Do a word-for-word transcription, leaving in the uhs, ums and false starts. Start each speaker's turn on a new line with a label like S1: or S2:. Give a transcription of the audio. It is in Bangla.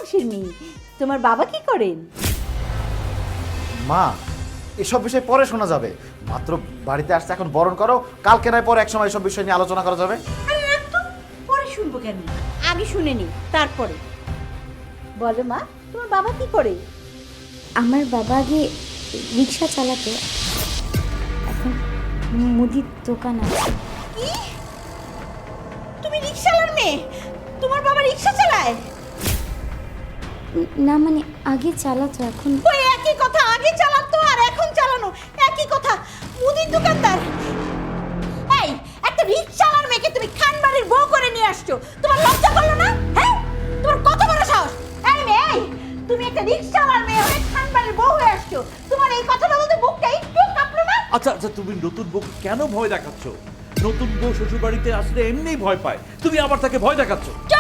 S1: বংশের মেয়ে। তোমার বাবা কি করেন?
S2: মা, এসব বিষয় পরে শোনা যাবে। মাত্র বাড়িতে আসতে এখন বরণ করো, কালকে নয় পরে এক সময় এসব বিষয় নিয়ে আলোচনা করা যাবে।
S1: আরে রাখ তো, পরে শুনবো কেন? আগে শুনে নি তারপরে বলো। মা, তোমার বাবা কি করে?
S3: আমার বাবা আগে রিক্সা চালাতো, এখন মুদির দোকান আছে।
S1: কি? তুমি রিকশাওয়ালার মেয়ে? তোমার বাবা রিকশা চালায়?
S3: না মানে আগে চালাতো, এখন
S1: ওই একই কথা, আগে চালাতো আর এখন চালানো একই কথা। মুদির দোকানদার। এই একটা রিকশাওয়ালার মেয়েকে তুমি খানবাড়ির বউ করে নিয়ে আসছো, তোমার লজ্জা করলো না? হ্যাঁ, তোমার কত বড় সাহস! এই মেয়ে, এই, তুমি একটা রিকশাওয়ালার মেয়ে হয়ে খানবাড়ির বউ হয়ে আসছো, তোমার এই কথাটা বলতে বুকটা একটু কাঁপলো না?
S4: আচ্ছা আচ্ছা, তুমি নতুন বউকে কেন ভয় দেখাচ্ছ? নতুন বউ শ্বশুর বাড়িতে আসলে এমনিই ভয় পায়, তুমি আবার তাকে ভয় দেখাচ্ছ।